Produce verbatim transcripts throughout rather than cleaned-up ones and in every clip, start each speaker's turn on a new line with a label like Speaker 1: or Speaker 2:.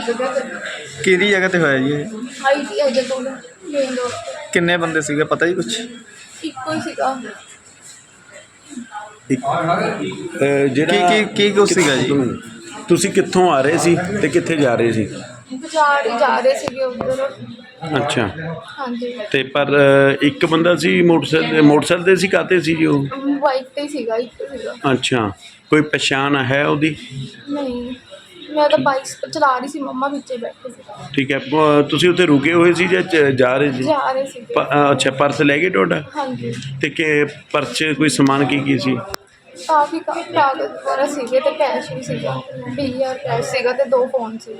Speaker 1: जगह ते
Speaker 2: ਕਿਹੜੀ ਜਗ੍ਹਾ ਤੇ ਹੋਇਆ ਜੀ ਇਹ?
Speaker 1: आई टी आई दे कोल मेन रोड ते
Speaker 2: ਕਿੰਨੇ ਬੰਦੇ ਸੀਗੇ ਪਤਾ ਜੀ ਕੁਛ?
Speaker 1: इक्को ही सीगा।
Speaker 3: ਅਹ ਜਿਹੜਾ
Speaker 2: ਕੀ ਕੀ ਕੀ ਕੁਛ ਸੀਗਾ ਜੀ?
Speaker 3: ਤੁਸੀਂ ਕਿੱਥੋਂ ਆ ਰਹੇ ਸੀ ਤੇ ਕਿੱਥੇ ਜਾ ਰਹੇ ਸੀ?
Speaker 1: बाजार ही जा रहे थे उधर।
Speaker 3: ਅੱਛਾ
Speaker 1: हाँ जी
Speaker 3: ਤੇ ਪਰ ਅਹ, ਇੱਕ ਬੰਦਾ ਸੀ ਮੋਟਰਸਾਈਕਲ ਮੋਟਰਸਾਈਕਲ ਤੇ ਸੀ ਕਾਤੇ ਸੀ ਜੀ ਉਹ?
Speaker 1: बाइक ते ही सीगा इक्को सीगा।
Speaker 3: ਅੱਛਾ ਕੋਈ ਪਛਾਣ ਹੈ ਉਹਦੀ?
Speaker 1: नहीं मैं तो बाइक चला रही सी मम्मा पीछे बैठे सी।
Speaker 3: ਠੀਕ ਹੈ ਪ- ਤੁਸੀਂ ਉੱਥੇ ਰੁਕੇ ਹੋਏ ਸੀ ਜਾਂ ਚ- ਜਾ ਰਹੇ ਸੀ?
Speaker 1: जा रहे सी।
Speaker 3: ਪ- ਅਹ, ਅੱਛਾ ਪਰਸ ਲੈ ਗਏ ਤੁਹਾਡਾ?
Speaker 1: हाँ जी
Speaker 3: ਤੇ ਕਿ ਪਰਸ 'ਚ ਕੋਈ ਸਮਾਨ ਕੀ ਕੀ ਸੀ?
Speaker 1: काफी का- कागज वगैरह सीगे ते कैश भी सीगा बीस हज़ार कैश सीगा ते दो फोन सी।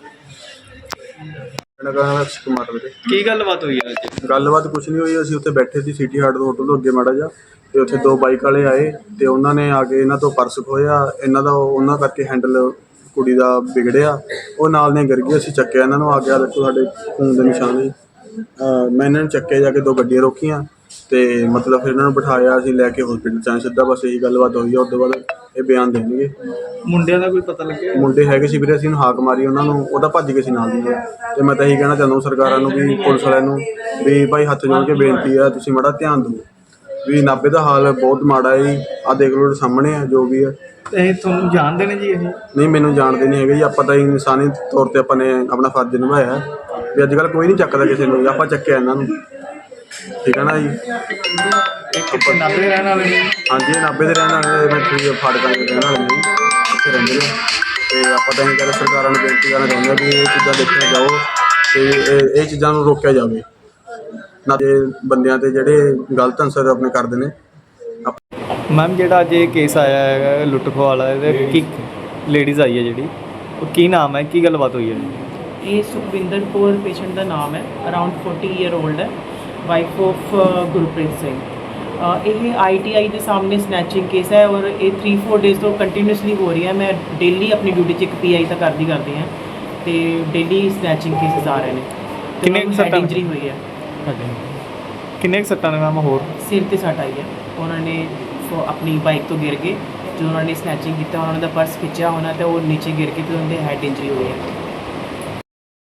Speaker 4: ਮੇਰਾ ਨਾਮ ਅਕਸ਼ ਕੁਮਾਰ ਵੀਰੇ।
Speaker 2: ਕੀ ਗੱਲਬਾਤ ਹੋਈ ਆ ਅੱਜ?
Speaker 4: ਗੱਲਬਾਤ ਕੁਛ ਨਹੀਂ ਹੋਈ। ਅਸੀਂ ਉੱਥੇ ਬੈਠੇ ਸੀ ਸਿਟੀ ਹਾਰਟ ਦੇ ਹੋਟਲ ਤੋਂ ਅੱਗੇ ਮਾੜਾ ਜਿਹਾ, ਤੇ ਉੱਥੇ ਦੋ ਬਾਈਕ ਵਾਲੇ ਆਏ ਤੇ ਉਹਨਾਂ ਨੇ ਆ ਕੇ ਇਹਨਾਂ ਤੋਂ ਪਰਸ ਖੋਇਆ। ਇਹਨਾਂ ਦਾ ਉਹਨਾਂ ਕਰਕੇ ਹੈਂਡਲ ਕੁੜੀ ਦਾ ਵਿਗੜਿਆ, ਉਹ ਨਾਲ ਨੇ ਗਿਰ ਗਈ। ਅਸੀਂ ਚੱਕਿਆ ਇਹਨਾਂ ਨੂੰ, ਆ ਗਿਆ ਦੇਖੋ ਸਾਡੇ ਖੂਨ ਦੇ ਨਿਸ਼ਾਨ ਸੀ। ਅਹ ਮੈਂ ਇਹਨਾਂ ਨੂੰ ਚੱਕਿਆ, ਜਾ ਕੇ ਦੋ ਗੱਡੀਆਂ ਰੋਕੀਆਂ ਤੇ ਮਤਲਬ ਫਿਰ ਇਹਨਾਂ ਨੂੰ ਬਿਠਾਇਆ, ਅਸੀਂ ਲੈ ਕੇ ਹਸਪੀਟਲ 'ਚ ਆਏ ਸਿੱਧਾ। ਬਸ ਇਹੀ ਗੱਲਬਾਤ ਹੋਈ ਆ। ਉਸ ਤੋਂ ਬਾਅਦ ਇਹ ਬਿਆਨ ਦੇਣਗੇ।
Speaker 2: ਮੁੰਡਿਆਂ ਦਾ ਕੋਈ ਪਤਾ ਲੱਗਿਆ?
Speaker 4: ਮੁੰਡੇ ਹੈਗੇ ਸੀ ਵੀਰੇ, ਅਸੀਂ ਨੂੰ ਹਾਕ ਮਾਰੀ ਉਹਨਾਂ ਨੂੰ, ਉਹਦਾ ਭੱਜ ਗਏ ਸੀ ਨਾਲ ਦੀ ਨਾਲ। ਤੇ ਮੈਂ ਤਾਂ ਇਹੀ ਕਹਿਣਾ ਚਾਹੁੰਦਾ ਸਰਕਾਰਾਂ ਨੂੰ ਵੀ ਪੁਲਿਸ ਵਾਲਿਆਂ ਨੂੰ ਵੀ ਭਾਈ ਹੱਥ ਜੋੜ ਕੇ ਬੇਨਤੀ ਆ, ਤੁਸੀਂ ਮਾੜਾ ਧਿਆਨ ਦਿਓ ਵੀ ਨਾਭੇ ਦਾ ਹਾਲ ਬਹੁਤ ਮਾੜਾ ਹੈ ਜੀ। ਆਹ ਦੇਖ ਲਓ ਸਾਹਮਣੇ ਆ ਜੋ ਵੀ ਹੈ।
Speaker 2: ਇਹ ਤੁਹਾਨੂੰ ਜਾਣਦੇ ਨੇ ਜੀ ਇਹ?
Speaker 4: ਨਹੀਂ ਮੈਨੂੰ ਜਾਣਦੇ ਨਹੀਂ ਹੈਗੇ ਜੀ। ਆਪਾਂ ਤਾਂ ਇਨਸਾਨੀ ਤੌਰ 'ਤੇ ਆਪਾਂ ਨੇ ਆਪਣਾ ਫਰਜ਼ ਨਿਭਾਇਆ ਵੀ ਅੱਜ ਕੱਲ੍ਹ ਕੋਈ ਨਹੀਂ ਚੱਕਦਾ ਕਿਸੇ ਨੂੰ, ਆਪਾਂ ਚੱਕਿਆ ਇਹਨਾਂ ਨੂੰ। ਠੀਕ ਹੈ ਨਾ ਜੀ।
Speaker 2: ਇੱਕ ਨਾਭੇ ਦੇ ਰਹਿਣ ਵਾਲੇ ਨੇ?
Speaker 4: ਹਾਂਜੀ ਇਹ ਨਾਭੇ ਦੇ ਰਹਿਣ ਵਾਲੇ, ਮੈਂ ਇੱਥੇ ਫਾਟਕਾਂ ਦੇ ਰਹਿਣ ਵਾਲੇ ਨੇ, ਇੱਥੇ ਰਹਿੰਦੇ ਨੇ। ਅਤੇ ਆਪਾਂ ਤਾਂ ਇਹ ਗੱਲ ਸਰਕਾਰਾਂ ਨੂੰ ਬੇਨਤੀ ਕਰਨਾ ਚਾਹੁੰਦੇ ਹਾਂ ਵੀ ਇਹ ਚੀਜ਼ਾਂ ਦੇਖੀਆਂ ਜਾਓ ਅਤੇ ਇਹ ਇਹ ਚੀਜ਼ਾਂ ਨੂੰ ਰੋਕਿਆ ਜਾਵੇ ਨਾ, ਤੇ ਬੰਦਿਆਂ 'ਤੇ ਜਿਹੜੇ ਗਲਤ ਅਨਸਰ ਆਪਣੇ ਕਰਦੇ ਨੇ।
Speaker 2: ਮੈਮ ਜਿਹੜਾ ਅੱਜ ਇਹ ਕੇਸ ਆਇਆ ਹੈਗਾ ਲੁੱਟ ਖੋਹ ਵਾਲਾ, ਇਹਦੇ ਕੀ ਲੇਡੀਜ਼ ਆਈ ਹੈ ਜਿਹੜੀ, ਉਹ ਕੀ ਨਾਮ ਹੈ, ਕੀ ਗੱਲਬਾਤ ਹੋਈ ਹੈ?
Speaker 5: ਇਹ ਸੁਖਵਿੰਦਰ ਕੌਰ ਪੇਸ਼ੈਂਟ ਦਾ ਨਾਮ ਹੈ, ਅਰਾਊਂਡ ਚਾਲੀ ਈਅਰ ਓਲਡ ਹੈ, ਵਾਈਫ ਆਫ ਗੁਰਪ੍ਰੀਤ ਸਿੰਘ। ਅ, ਇਹ ਆਈ ਟੀ ਆਈ ਦੇ ਸਾਹਮਣੇ ਸਨੈਚਿੰਗ ਕੇਸ ਹੈ ਔਰ ਇਹ ਥ੍ਰੀ ਫੋਰ ਡੇਜ਼ ਤੋਂ ਕੰਟੀਨਿਊਸਲੀ ਹੋ ਰਹੀ ਹੈ। ਮੈਂ ਡੇਲੀ ਆਪਣੀ ਡਿਊਟੀ 'ਚ ਇੱਕ ਪੀ ਆਈ ਤਾਂ ਕਰਦੀ ਕਰਦੀ ਹਾਂ ਅਤੇ ਡੇਲੀ ਸਨੈਚਿੰਗ ਕੇਸਿਸ ਆ ਰਹੇ ਨੇ।
Speaker 2: ਕਿੰਨੇ ਕੁ ਸੱਟਾਂ?
Speaker 5: ਇੰਜਰੀ ਹੋਈ ਹੈ,
Speaker 2: ਕਿੰਨੇ ਕੁ ਸੱਟਾਂ ਨੇ ਮੈਮ? ਹੋਰ
Speaker 5: ਸਿਰ 'ਤੇ ਸੱਟ ਆਈ ਹੈ। ਉਹਨਾਂ ਨੇ ਫੋ- ਆਪਣੀ ਬਾਈਕ ਤੋਂ ਗਿਰ ਕੇ, ਜਦੋਂ ਉਹਨਾਂ ਨੇ ਸਨੈਚਿੰਗ ਕੀਤਾ ਉਹਨਾਂ ਦਾ ਪਰਸ ਖਿੱਚਿਆ ਹੋਣਾ ਅਤੇ ਉਹ ਨੀਚੇ ਗਿਰ ਕੇ ਅਤੇ ਉਹਨਾਂ ਦੇ ਹੈਡ ਇੰਜਰੀ ਹੋਈ ਹੈ।